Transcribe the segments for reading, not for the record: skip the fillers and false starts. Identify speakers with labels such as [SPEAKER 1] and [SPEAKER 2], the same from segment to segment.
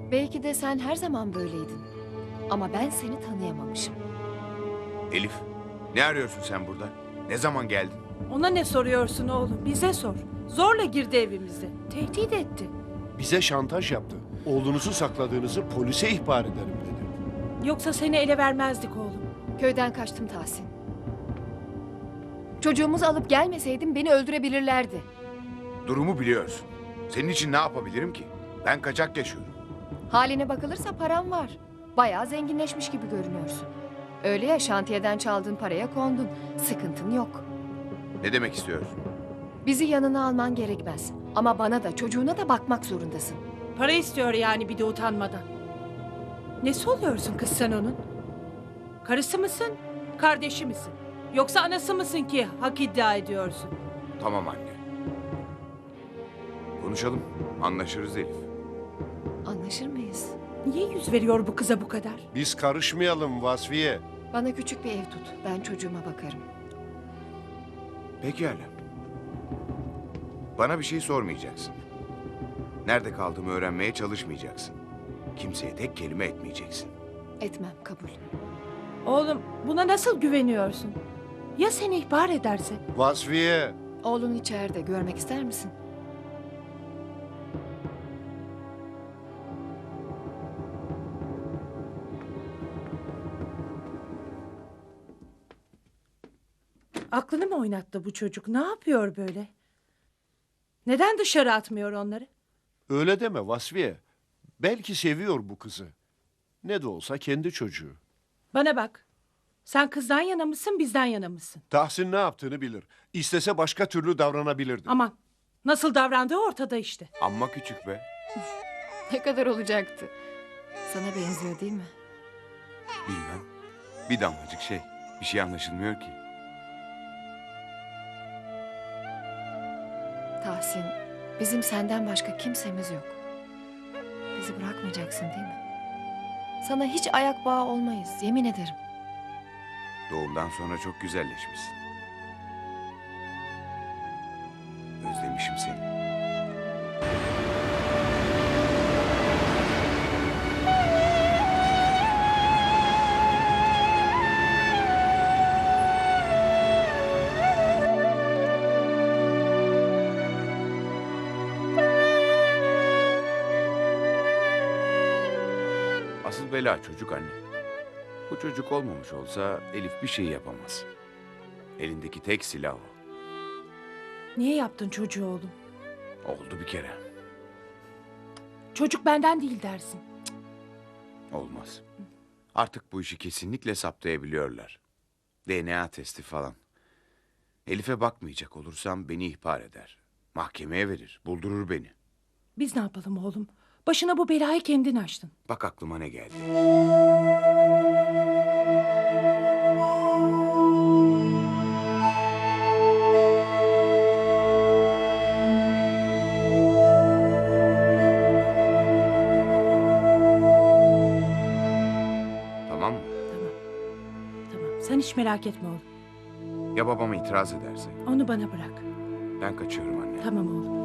[SPEAKER 1] Belki de sen her zaman böyleydin. Ama ben seni tanıyamamışım.
[SPEAKER 2] Elif, ne arıyorsun sen burada? Ne zaman geldin?
[SPEAKER 3] Ona ne soruyorsun oğlum? Bize sor. Zorla girdi evimize. Tehdit etti.
[SPEAKER 4] Bize şantaj yaptı. Oğlunuzu sakladığınızı polise ihbar ederim dedi.
[SPEAKER 3] Yoksa seni ele vermezdik oğlum.
[SPEAKER 1] Köyden kaçtım Tahsin. Çocuğumuzu alıp gelmeseydim beni öldürebilirlerdi.
[SPEAKER 2] Durumu biliyorsun. Senin için ne yapabilirim ki? Ben kaçak yaşıyorum.
[SPEAKER 1] Haline bakılırsa param var. Bayağı zenginleşmiş gibi görünüyorsun. Öyle ya, şantiyeden çaldığın paraya kondun. Sıkıntın yok.
[SPEAKER 2] Ne demek istiyorsun?
[SPEAKER 1] Bizi yanına alman gerekmez. Ama bana da çocuğuna da bakmak zorundasın.
[SPEAKER 3] Para istiyor yani bir de utanmadan. Nesi oluyorsun kız sen onun? Karısı mısın? Kardeşi misin? Yoksa anası mısın ki hak iddia ediyorsun?
[SPEAKER 2] Tamam anne. Konuşalım. Anlaşırız Elif.
[SPEAKER 1] Anlaşır mıyız?
[SPEAKER 3] Niye yüz veriyor bu kıza bu kadar?
[SPEAKER 4] Biz karışmayalım Vasfiye.
[SPEAKER 1] Bana küçük bir ev tut. Ben çocuğuma bakarım.
[SPEAKER 2] Pekala. Bana bir şey sormayacaksın. Nerede kaldığımı öğrenmeye çalışmayacaksın. Kimseye tek kelime etmeyeceksin.
[SPEAKER 1] Etmem, kabul.
[SPEAKER 3] Oğlum buna nasıl güveniyorsun? Ya seni ihbar ederse?
[SPEAKER 4] Vasfiye.
[SPEAKER 1] Oğlun içeride. Görmek ister misin?
[SPEAKER 3] Aklını mı oynattı bu çocuk? Ne yapıyor böyle? Neden dışarı atmıyor onları?
[SPEAKER 4] Öyle deme Vasfiye. Belki seviyor bu kızı. Ne de olsa kendi çocuğu.
[SPEAKER 3] Bana bak. Sen kızdan yana mısın, bizden yana mısın?
[SPEAKER 4] Tahsin ne yaptığını bilir. İstese başka türlü davranabilirdi.
[SPEAKER 3] Aman, nasıl davrandığı ortada işte.
[SPEAKER 2] Amma küçük be.
[SPEAKER 1] Ne kadar olacaktı? Sana benziyor değil mi?
[SPEAKER 2] Bilmem. Bir damlacık şey. Bir şey anlaşılmıyor ki.
[SPEAKER 1] Tahsin, bizim senden başka kimsemiz yok. Bizi bırakmayacaksın değil mi? Sana hiç ayak bağı olmayız, yemin ederim.
[SPEAKER 2] Doğumdan sonra çok güzelleşmişsin. Özlemişim seni. Asıl bela çocuk anne. Bu çocuk olmamış olsa Elif bir şey yapamaz. Elindeki tek silah o.
[SPEAKER 3] Niye yaptın çocuğu oğlum?
[SPEAKER 2] Oldu bir kere.
[SPEAKER 3] Çocuk benden değil dersin.
[SPEAKER 2] Olmaz. Artık bu işi kesinlikle saptayabiliyorlar. DNA testi falan. Elif'e bakmayacak olursam beni ihbar eder. Mahkemeye verir, buldurur beni.
[SPEAKER 3] Biz ne yapalım oğlum? Başına bu belayı kendin açtın.
[SPEAKER 2] Bak aklıma ne geldi. Tamam mı?
[SPEAKER 3] Tamam. Tamam. Sen hiç merak etme oğlum.
[SPEAKER 2] Ya babama itiraz ederse?
[SPEAKER 3] Onu bana bırak.
[SPEAKER 2] Ben kaçıyorum anne.
[SPEAKER 3] Tamam oğlum.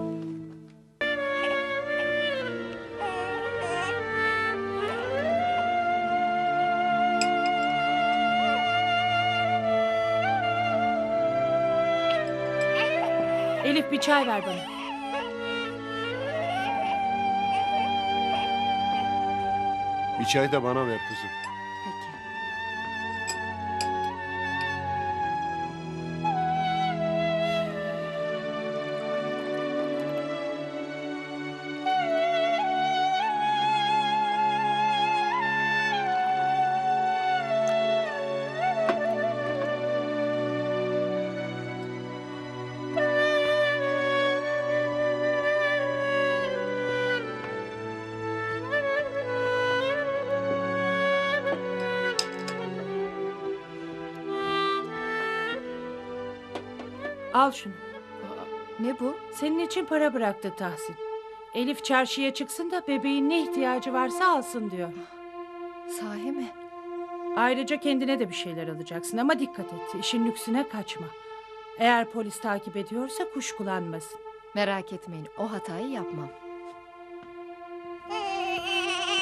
[SPEAKER 3] Elif bir çay ver bana.
[SPEAKER 4] Bir çay da bana ver kızım.
[SPEAKER 1] Peki.
[SPEAKER 3] Al şunu.
[SPEAKER 1] Ne bu?
[SPEAKER 3] Senin için para bıraktı Tahsin. Elif çarşıya çıksın da bebeğin ne ihtiyacı varsa alsın diyor.
[SPEAKER 1] Sahi mi?
[SPEAKER 3] Ayrıca kendine de bir şeyler alacaksın ama dikkat et. İşin lüksüne kaçma. Eğer polis takip ediyorsa kuşkulanmasın.
[SPEAKER 1] Merak etmeyin, o hatayı yapmam.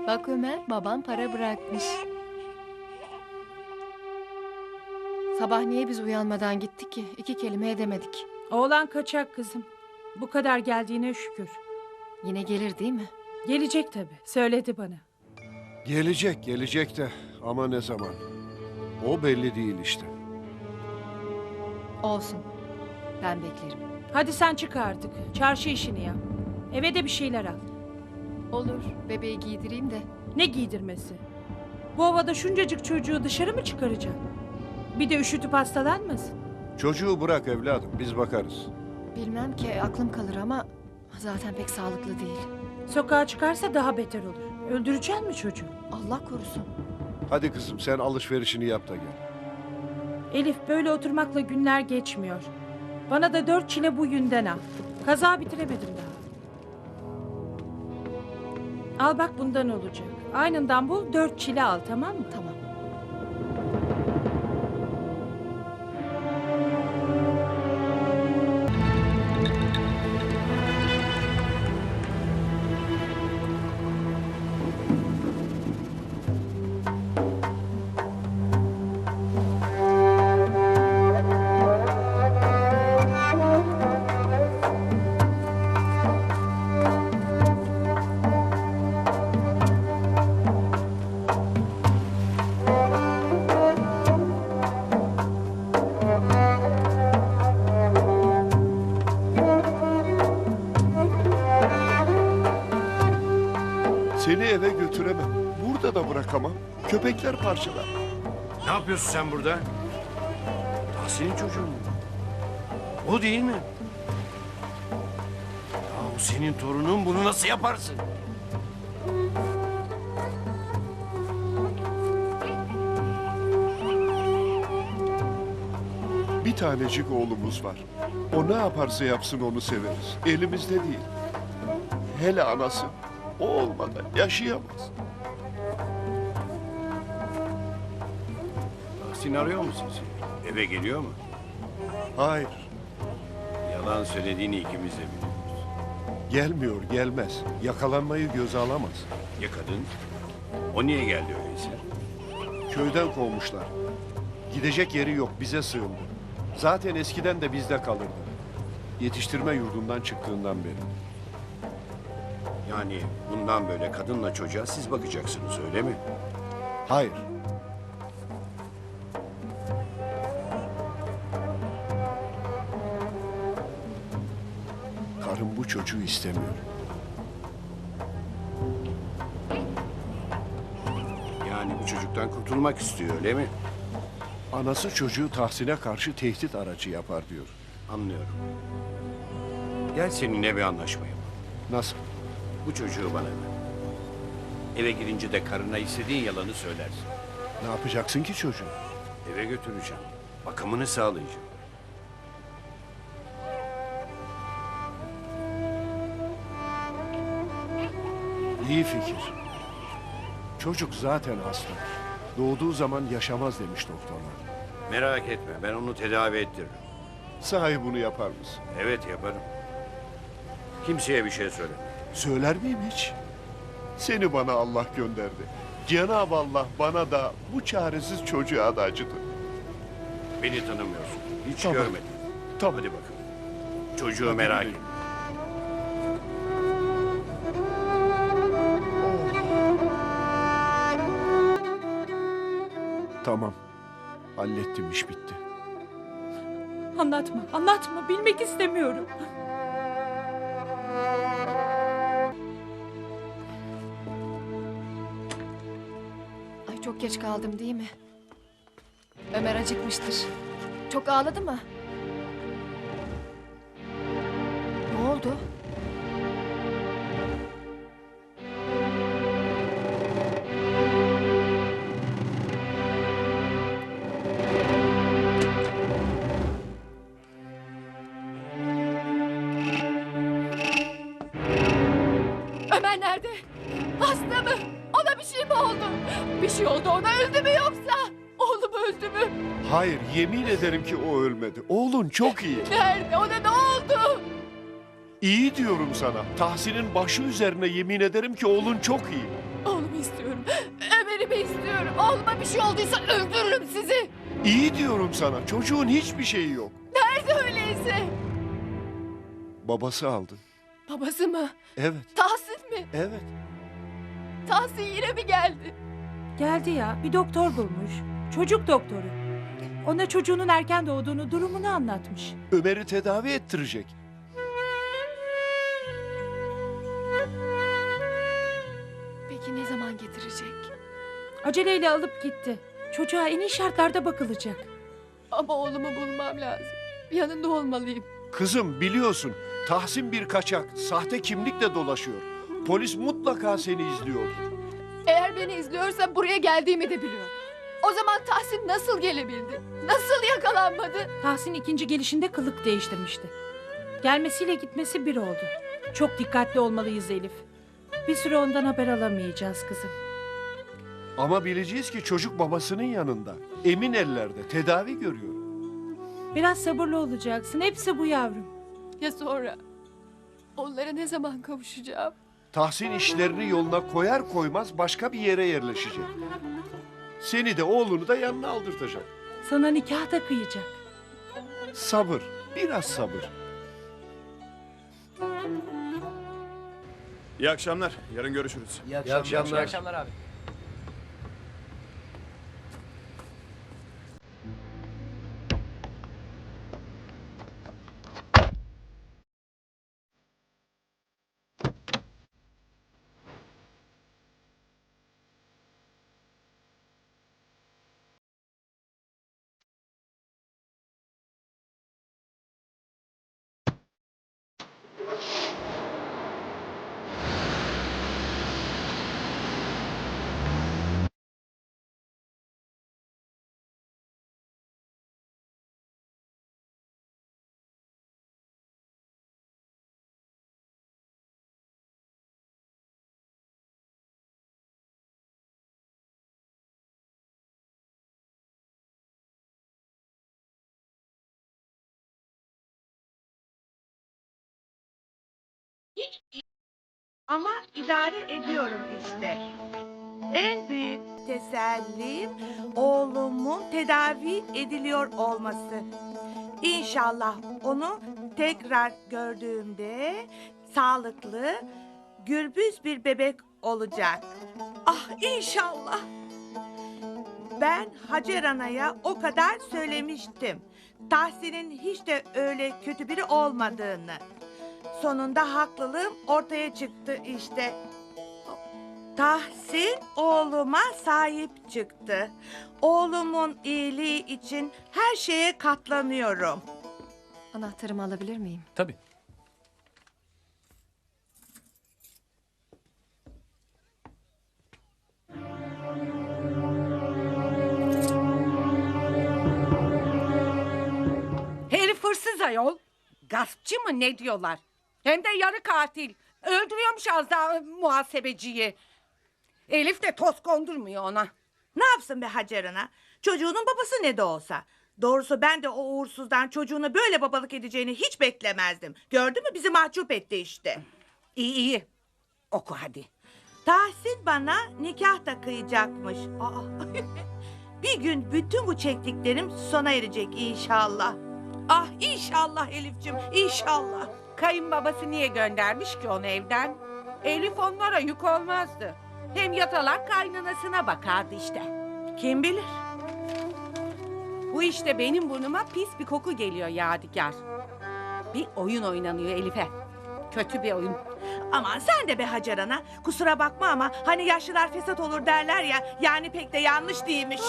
[SPEAKER 1] Bak Ömer, baban para bırakmış. Sabah niye biz uyanmadan gittik ki? 2 kelime edemedik.
[SPEAKER 3] Oğlan kaçak kızım. Bu kadar geldiğine şükür.
[SPEAKER 1] Yine gelir değil mi?
[SPEAKER 3] Gelecek tabii. Söyledi bana.
[SPEAKER 4] Gelecek de ama ne zaman? O belli değil işte.
[SPEAKER 1] Olsun. Ben beklerim.
[SPEAKER 3] Hadi sen çık artık. Çarşı işini yap. Eve de bir şeyler al.
[SPEAKER 1] Olur. Bebeği giydireyim de.
[SPEAKER 3] Ne giydirmesi? Bu havada şuncacık çocuğu dışarı mı çıkaracaksın? Bir de üşütüp hastalanmasın.
[SPEAKER 4] Çocuğu bırak evladım, biz bakarız.
[SPEAKER 1] Bilmem ki aklım kalır ama zaten pek sağlıklı değil.
[SPEAKER 3] Sokağa çıkarsa daha beter olur. Öldüreceksin mi çocuğu?
[SPEAKER 1] Allah korusun.
[SPEAKER 4] Hadi kızım sen alışverişini yap da gel.
[SPEAKER 3] Elif, böyle oturmakla günler geçmiyor. Bana da 4 çile bu yünden al. Kaza bitiremedim daha. Al bak, bundan olacak. Aynından bul, 4 çile al, tamam mı?
[SPEAKER 1] Tamam.
[SPEAKER 4] Seni eve götüremem. Burada da bırakamam. Köpekler parçalar.
[SPEAKER 5] Ne yapıyorsun sen burada? Tahsin'in çocuğu mu? O değil mi? Ya o senin torunun, bunu nasıl yaparsın?
[SPEAKER 4] Bir tanecik oğlumuz var. O ne yaparsa yapsın onu severiz. Elimizde değil. Hele anası. O olmadan yaşayamaz.
[SPEAKER 5] Tahsin arıyor mu sizi? Eve geliyor mu?
[SPEAKER 4] Hayır.
[SPEAKER 5] Yalan söylediğini ikimiz de biliyoruz.
[SPEAKER 4] Gelmiyor, gelmez. Yakalanmayı göze alamaz.
[SPEAKER 5] Ya kadın? O niye geldi öyleyse?
[SPEAKER 4] Köyden kovmuşlar. Gidecek yeri yok, bize sığındı. Zaten eskiden de bizde kalırdı. Yetiştirme yurdundan çıktığından beri.
[SPEAKER 5] Yani bundan böyle kadınla çocuğa siz bakacaksınız, öyle mi?
[SPEAKER 4] Hayır. Karım bu çocuğu istemiyor.
[SPEAKER 5] Yani bu çocuktan kurtulmak istiyor, öyle mi?
[SPEAKER 4] Anası çocuğu Tahsin'e karşı tehdit aracı yapar diyor.
[SPEAKER 5] Anlıyorum. Gel seninle bir anlaşma yapalım.
[SPEAKER 4] Nasıl?
[SPEAKER 5] Bu çocuğu bana ver. Eve girince de karına istediğin yalanı söylersin.
[SPEAKER 4] Ne yapacaksın ki çocuğu?
[SPEAKER 5] Eve götüreceğim. Bakımını sağlayacağım.
[SPEAKER 4] İyi fikir. Çocuk zaten hasta. Doğduğu zaman yaşamaz demiş doktorlar.
[SPEAKER 5] Merak etme, ben onu tedavi ettiririm.
[SPEAKER 4] Sahi bunu yapar mısın?
[SPEAKER 5] Evet, yaparım. Kimseye bir şey söyleme.
[SPEAKER 4] Söyler miyim hiç? Seni bana Allah gönderdi. Cenab-ı Allah bana da bu çaresiz çocuğa da acıdı.
[SPEAKER 5] Beni tanımıyorsun. Hiç
[SPEAKER 4] Tamam.
[SPEAKER 5] görmedim.
[SPEAKER 4] Tamam.
[SPEAKER 5] Hadi bakalım. Çocuğu
[SPEAKER 4] Hadi
[SPEAKER 5] merak
[SPEAKER 4] gidelim.
[SPEAKER 5] etme.
[SPEAKER 4] Tamam. Hallettim, iş bitti.
[SPEAKER 3] Anlatma, anlatma. Bilmek istemiyorum.
[SPEAKER 1] Ay çok geç kaldım değil mi? Ömer acıkmıştır. Çok ağladı mı? Ne oldu?
[SPEAKER 6] Ömer nerede? Hasta mı? Ona bir şey mi oldu? Bir şey oldu ona, öldü mü yoksa? Oğlum öldü mü?
[SPEAKER 4] Hayır, yemin ederim ki o ölmedi. Oğlun çok iyi.
[SPEAKER 6] Nerede? Ona ne oldu?
[SPEAKER 4] İyi diyorum sana. Tahsin'in başı üzerine yemin ederim ki oğlun çok iyi.
[SPEAKER 6] Oğlumu istiyorum. Ömer'imi istiyorum. Oğluma bir şey olduysa öldürürüm sizi.
[SPEAKER 4] İyi diyorum sana. Çocuğun hiçbir şeyi yok.
[SPEAKER 6] Nerede öyleyse?
[SPEAKER 4] Babası aldı.
[SPEAKER 6] Babası mı?
[SPEAKER 4] Evet,
[SPEAKER 6] Tahsin mi?
[SPEAKER 4] evet.
[SPEAKER 6] Tahsin yine mi geldi?
[SPEAKER 3] Geldi ya, bir doktor bulmuş. Çocuk doktoru. Ona çocuğunun erken doğduğunu, durumunu anlatmış.
[SPEAKER 4] Ömer'i tedavi ettirecek.
[SPEAKER 6] Peki ne zaman getirecek?
[SPEAKER 3] Aceleyle alıp gitti. Çocuğa en iyi şartlarda bakılacak.
[SPEAKER 6] Ama oğlumu bulmam lazım. Yanında olmalıyım.
[SPEAKER 4] Kızım biliyorsun Tahsin bir kaçak, sahte kimlikle dolaşıyor. Polis mutlaka seni izliyordur.
[SPEAKER 6] Eğer beni izliyorsa buraya geldiğimi de biliyor. O zaman Tahsin nasıl gelebildi? Nasıl yakalanmadı?
[SPEAKER 3] Tahsin ikinci gelişinde kılık değiştirmişti. Gelmesiyle gitmesi bir oldu. Çok dikkatli olmalıyız Elif. Bir süre ondan haber alamayacağız kızım.
[SPEAKER 4] Ama bileceğiz ki çocuk babasının yanında. Emin ellerde tedavi görüyor.
[SPEAKER 3] Biraz sabırlı olacaksın. Hepsi bu yavrum.
[SPEAKER 6] Ya sonra? Onlara ne zaman kavuşacağım?
[SPEAKER 4] Tahsin işlerini yoluna koyar koymaz başka bir yere yerleşecek. Seni de oğlunu da yanına aldırtacak.
[SPEAKER 3] Sana nikah da kıyacak.
[SPEAKER 4] Sabır, biraz sabır.
[SPEAKER 5] İyi akşamlar. Yarın görüşürüz.
[SPEAKER 7] İyi akşamlar.
[SPEAKER 8] İyi akşamlar abi.
[SPEAKER 9] Ama idare ediyorum işte. En büyük tesellim oğlumun tedavi ediliyor olması. İnşallah onu tekrar gördüğümde sağlıklı, gürbüz bir bebek olacak. Ah inşallah. Ben Hacer Ana'ya o kadar söylemiştim. Tahsin'in hiç de öyle kötü biri olmadığını. Sonunda haklılığım ortaya çıktı işte. Tahsin oğluma sahip çıktı. Oğlumun iyiliği için her şeye katlanıyorum.
[SPEAKER 1] Anahtarımı alabilir miyim?
[SPEAKER 8] Tabii.
[SPEAKER 9] Herif hırsız ayol. Gaspçı mı ne diyorlar? Hem de yarı katil. Öldürüyormuş az daha muhasebeciyi. Elif de toz kondurmuyor ona. Ne yapsın be Hacer Ana? Çocuğunun babası ne de olsa. Doğrusu ben de o uğursuzdan çocuğunu böyle babalık edeceğini hiç beklemezdim. Gördün mü bizi mahcup etti işte. İyi iyi. Oku hadi. Tahsin bana nikah da kıyacakmış. Bir gün bütün bu çektiklerim sona erecek inşallah. Ah inşallah Elif'ciğim inşallah. Kayınbabası niye göndermiş ki onu evden? Elif onlara yük olmazdı. Hem yatalak kaynanasına bakardı işte. Kim bilir? Bu işte benim burnuma pis bir koku geliyor Yadigar. Bir oyun oynanıyor Elif'e. Kötü bir oyun. Aman sen de be Hacer Ana. Kusura bakma ama hani yaşlılar fesat olur derler ya. Yani pek de yanlış değilmiş.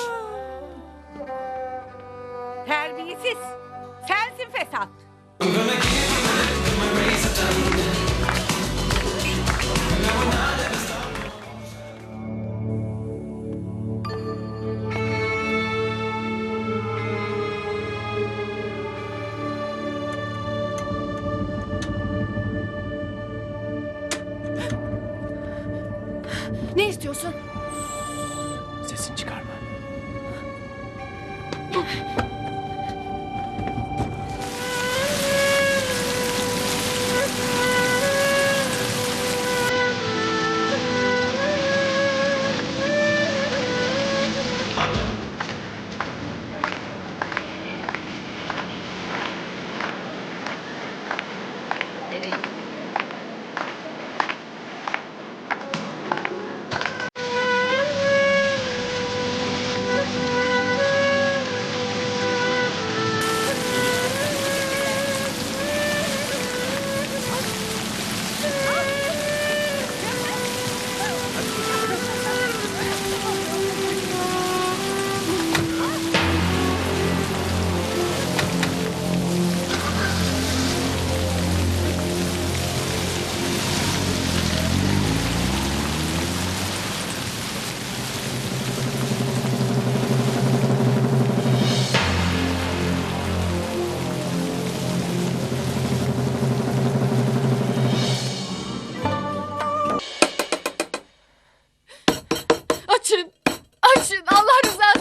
[SPEAKER 9] Terbiyesiz. Sensin fesat.
[SPEAKER 1] Ne istiyorsun?
[SPEAKER 8] Sesini çıkarma.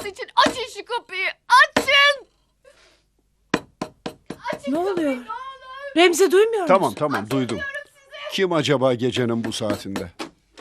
[SPEAKER 6] için açın şu kapıyı. Açın. Açın
[SPEAKER 3] Ne
[SPEAKER 6] kapıyı,
[SPEAKER 3] oluyor?
[SPEAKER 6] ne olur.
[SPEAKER 3] Remzi duymuyor musun?
[SPEAKER 4] Tamam tamam duydum. Kim acaba gecenin bu saatinde?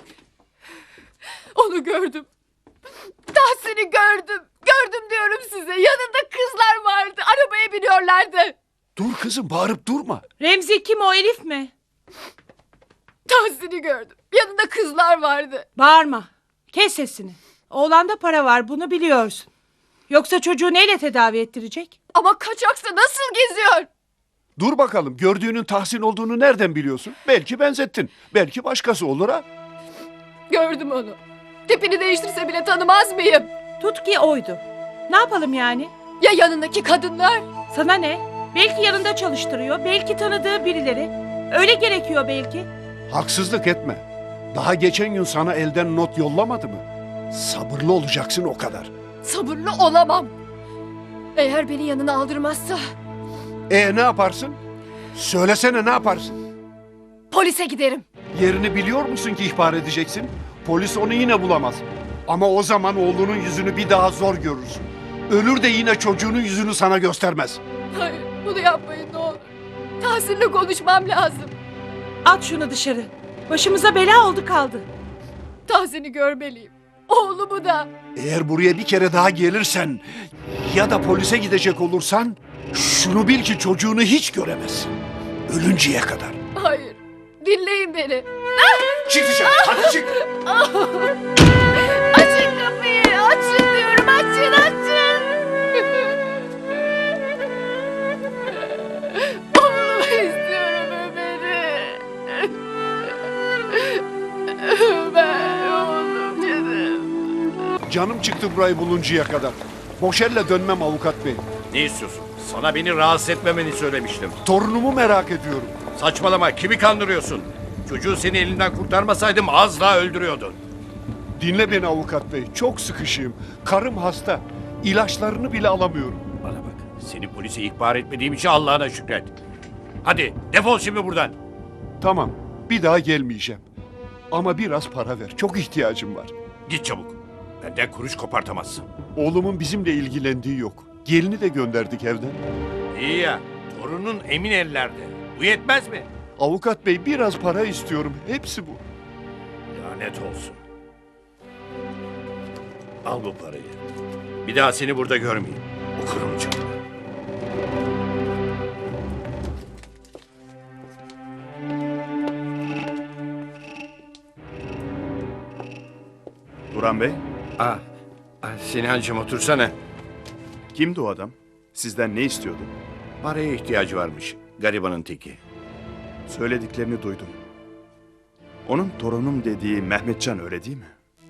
[SPEAKER 6] Onu gördüm. Tahsin'i gördüm. Gördüm diyorum size. Yanında kızlar vardı. Arabaya biniyorlardı.
[SPEAKER 4] Dur kızım bağırıp durma.
[SPEAKER 3] Remzi kim, o Elif mi?
[SPEAKER 6] Tahsin'i gördüm. Yanında kızlar vardı.
[SPEAKER 3] Bağırma. Kes sesini. Oğlanda para var, bunu biliyorsun. Yoksa çocuğu neyle tedavi ettirecek?
[SPEAKER 6] Ama kaçaksa nasıl geziyor?
[SPEAKER 4] Dur bakalım gördüğünün Tahsin olduğunu nereden biliyorsun? Belki benzettin. Belki başkası olur ha.
[SPEAKER 6] Gördüm onu. Tipini değiştirse bile tanımaz mıyım?
[SPEAKER 3] Tut ki oydu. Ne yapalım yani?
[SPEAKER 6] Ya yanındaki kadınlar?
[SPEAKER 3] Sana ne? Belki yanında çalıştırıyor, belki tanıdığı birileri. Öyle gerekiyor belki.
[SPEAKER 4] Haksızlık etme. Daha geçen gün sana elden not yollamadı mı? Sabırlı olacaksın o kadar.
[SPEAKER 6] Sabırlı olamam. Eğer beni yanına aldırmazsa
[SPEAKER 4] Ne yaparsın? Söylesene ne yaparsın?
[SPEAKER 6] polise giderim.
[SPEAKER 4] Yerini biliyor musun ki ihbar edeceksin? Polis onu yine bulamaz. Ama o zaman oğlunun yüzünü bir daha zor görürsün. Ölür de yine çocuğunun yüzünü sana göstermez.
[SPEAKER 6] Hayır, bunu yapmayın ne olur. Tahsin'le konuşmam lazım.
[SPEAKER 3] At şunu dışarı. Başımıza bela oldu kaldı.
[SPEAKER 6] Tahsin'i görmeliyim. Oğlumu da.
[SPEAKER 4] Eğer buraya bir kere daha gelirsen ya da polise gidecek olursan şunu bil ki çocuğunu hiç göremezsin. Ölünceye kadar.
[SPEAKER 6] Hayır, dinleyin beni.
[SPEAKER 4] Çık dışarı, hadi çık.
[SPEAKER 6] Açın kapıyı, açın diyorum, açın, açın. Oğlumu istiyorum Ömer'i. Ömer, oğlum canım.
[SPEAKER 4] Canım çıktı burayı buluncaya kadar. Boş elle dönmem avukat bey.
[SPEAKER 5] Ne istiyorsun? Sana beni rahatsız etmemeni söylemiştim.
[SPEAKER 4] Torunumu merak ediyorum.
[SPEAKER 5] Saçmalama, kimi kandırıyorsun? Çocuğu seni elinden kurtarmasaydım az daha öldürüyordun.
[SPEAKER 4] Dinle beni avukat bey. Çok sıkışığım. Karım hasta. İlaçlarını bile alamıyorum.
[SPEAKER 5] Bana bak, seni polise ihbar etmediğim için Allah'ına şükret. Hadi defol şimdi buradan.
[SPEAKER 4] Tamam. Bir daha gelmeyeceğim. Ama biraz para ver. Çok ihtiyacım var.
[SPEAKER 5] Git çabuk. Benden kuruş kopartamazsın.
[SPEAKER 4] Oğlumun bizimle ilgilendiği yok. Gelini de gönderdik evden.
[SPEAKER 5] İyi ya, torunun emin ellerde. Bu yetmez mi?
[SPEAKER 4] Avukat bey biraz para istiyorum. Hepsi bu.
[SPEAKER 5] Lanet olsun. Al bu parayı. Bir daha seni burada görmeyeyim. Okurum canım.
[SPEAKER 7] Duran Bey,
[SPEAKER 5] Sinancığım otursana.
[SPEAKER 7] kimdi o adam? Sizden ne istiyordu?
[SPEAKER 5] Paraya ihtiyacı varmış. Garibanın teki.
[SPEAKER 7] Söylediklerini duydum. Onun torunum dediği Mehmetcan öyle değil mi?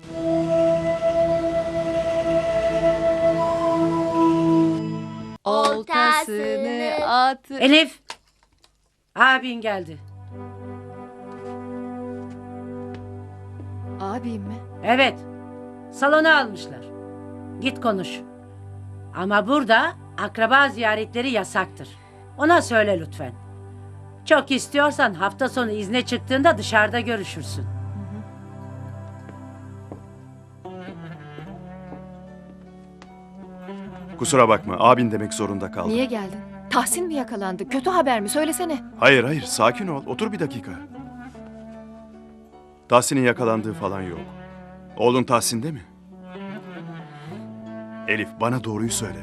[SPEAKER 6] Oltasını at.
[SPEAKER 9] Elif. Abin geldi.
[SPEAKER 1] Abim mi?
[SPEAKER 9] Evet. Salona almışlar. Git konuş. Ama burada akraba ziyaretleri yasaktır. Ona söyle lütfen. Çok istiyorsan hafta sonu izne çıktığında dışarıda görüşürsün.
[SPEAKER 7] Kusura bakma, abin demek zorunda kaldım.
[SPEAKER 1] Niye geldin? Tahsin mi yakalandı? Kötü haber mi? Söylesene.
[SPEAKER 7] Hayır hayır, sakin ol. Otur bir dakika. Tahsin'in yakalandığı falan yok. Oğlun Tahsin'de mi? Elif, bana doğruyu söyle.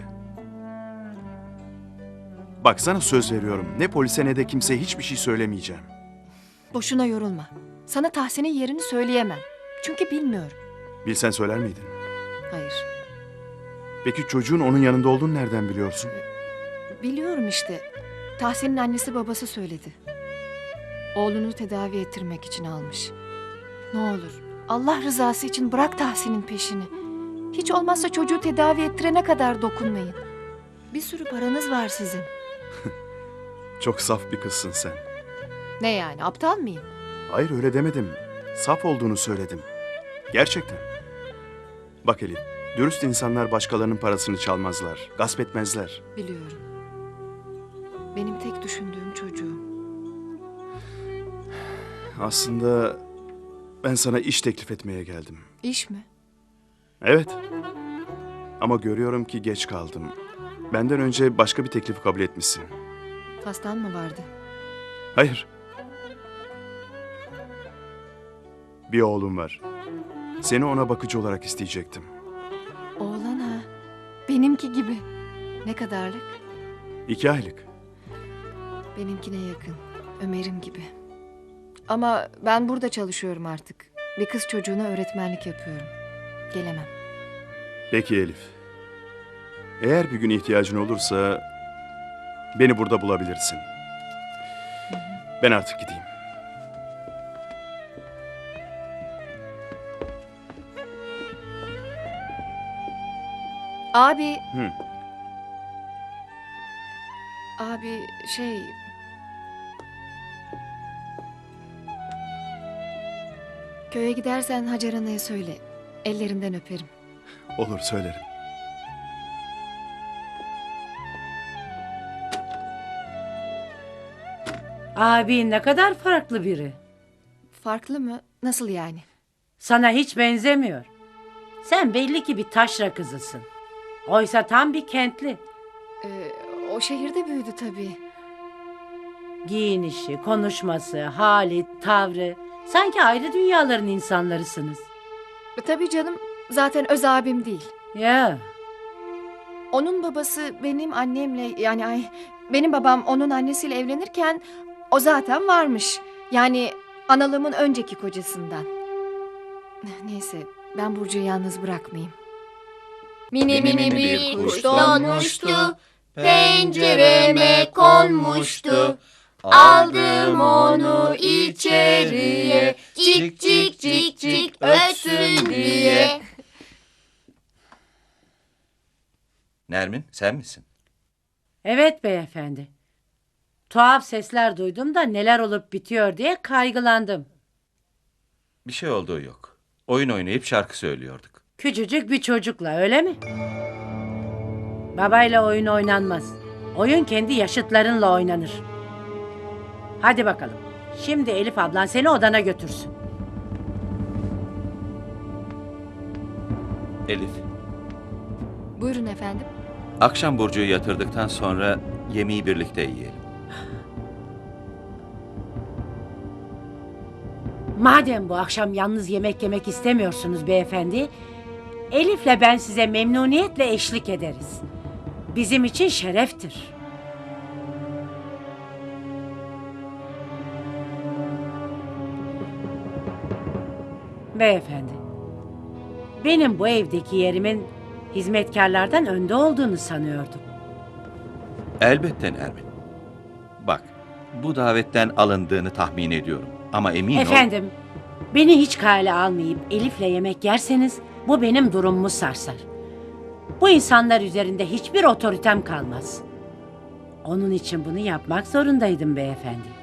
[SPEAKER 7] Bak sana söz veriyorum. Ne polise ne de kimseye hiçbir şey söylemeyeceğim.
[SPEAKER 1] Boşuna yorulma. Sana Tahsin'in yerini söyleyemem. Çünkü bilmiyorum.
[SPEAKER 7] Bilsen söyler miydin?
[SPEAKER 1] Hayır.
[SPEAKER 7] Peki çocuğun onun yanında olduğunu nereden biliyorsun?
[SPEAKER 1] Biliyorum işte. Tahsin'in annesi babası söyledi. Oğlunu tedavi ettirmek için almış. Ne olur Allah rızası için bırak Tahsin'in peşini. Hiç olmazsa çocuğu tedavi ettirene kadar dokunmayın. Bir sürü paranız var sizin.
[SPEAKER 7] Çok saf bir kızsın sen.
[SPEAKER 1] Ne yani, aptal mıyım?
[SPEAKER 7] Hayır öyle demedim. Saf olduğunu söyledim. Gerçekten. Bak Elif, dürüst insanlar başkalarının parasını çalmazlar, gasp etmezler.
[SPEAKER 1] Biliyorum. Benim tek düşündüğüm çocuğum.
[SPEAKER 7] Aslında ben sana iş teklif etmeye geldim.
[SPEAKER 1] İş mi?
[SPEAKER 7] Evet. Ama görüyorum ki geç kaldım. Benden önce başka bir teklifi kabul etmişsin.
[SPEAKER 1] Hastan mı vardı?
[SPEAKER 7] Hayır. Bir oğlum var. Seni ona bakıcı olarak isteyecektim.
[SPEAKER 1] Oğlan ha. Benimki gibi. Ne kadarlık?
[SPEAKER 7] 2 aylık.
[SPEAKER 1] Benimkine yakın. Ömer'im gibi. Ama ben burada çalışıyorum artık. Bir kız çocuğuna öğretmenlik yapıyorum. Gelemem.
[SPEAKER 7] Peki Elif. Eğer bir gün ihtiyacın olursa beni burada bulabilirsin. Ben artık gideyim.
[SPEAKER 1] Abi.
[SPEAKER 7] Hı.
[SPEAKER 1] Abi şey... Köye gidersen Hacer Ana'ya söyle. Ellerinden öperim.
[SPEAKER 7] Olur, söylerim.
[SPEAKER 10] Abin ne kadar farklı biri.
[SPEAKER 1] Farklı mı? Nasıl yani?
[SPEAKER 10] Sana hiç benzemiyor. Sen belli ki bir taşra kızısın. Oysa tam bir kentli.
[SPEAKER 1] O şehirde büyüdü tabii.
[SPEAKER 10] Giyinişi, konuşması, hali, tavrı. Sanki ayrı dünyaların insanlarısınız.
[SPEAKER 1] Tabii canım. Zaten öz abim değil.
[SPEAKER 10] Ya,
[SPEAKER 1] Onun babası benim annemle benim babam onun annesiyle evlenirken o zaten varmış. Yani analığımın önceki kocasından. Neyse ben Burcu'yu yalnız bırakmayayım.
[SPEAKER 11] Mini mini bir kuş donmuştu, pencereme konmuştu. Aldım onu içeriye, cik cik cik cik ötsün diye.
[SPEAKER 8] Nermin, sen misin?
[SPEAKER 10] evet beyefendi. Tuhaf sesler duydum da neler olup bitiyor diye kaygılandım.
[SPEAKER 8] Bir şey olduğu yok. Oyun oynayıp şarkı söylüyorduk.
[SPEAKER 10] Küçücük bir çocukla öyle mi? Babayla oyun oynanmaz. Oyun kendi yaşıtlarınla oynanır. Hadi bakalım. Şimdi Elif ablan seni odana götürsün.
[SPEAKER 8] Elif,
[SPEAKER 1] Buyurun efendim.
[SPEAKER 8] akşam Burcu'yu yatırdıktan sonra yemeği birlikte yiyelim.
[SPEAKER 10] Madem bu akşam yalnız yemek yemek istemiyorsunuz beyefendi, Elif'le ben size memnuniyetle eşlik ederiz. Bizim için şereftir. Beyefendi, benim bu evdeki yerimin hizmetkarlardan önde olduğunu sanıyordum.
[SPEAKER 8] Elbette Nermin. Bak, bu davetten alındığını tahmin ediyorum. Ama emin ol...
[SPEAKER 10] Efendim, beni hiç kale almayıp Elif'le yemek yerseniz bu benim durumumu sarsar. Bu insanlar üzerinde hiçbir otoritem kalmaz. Onun için bunu yapmak zorundaydım beyefendi.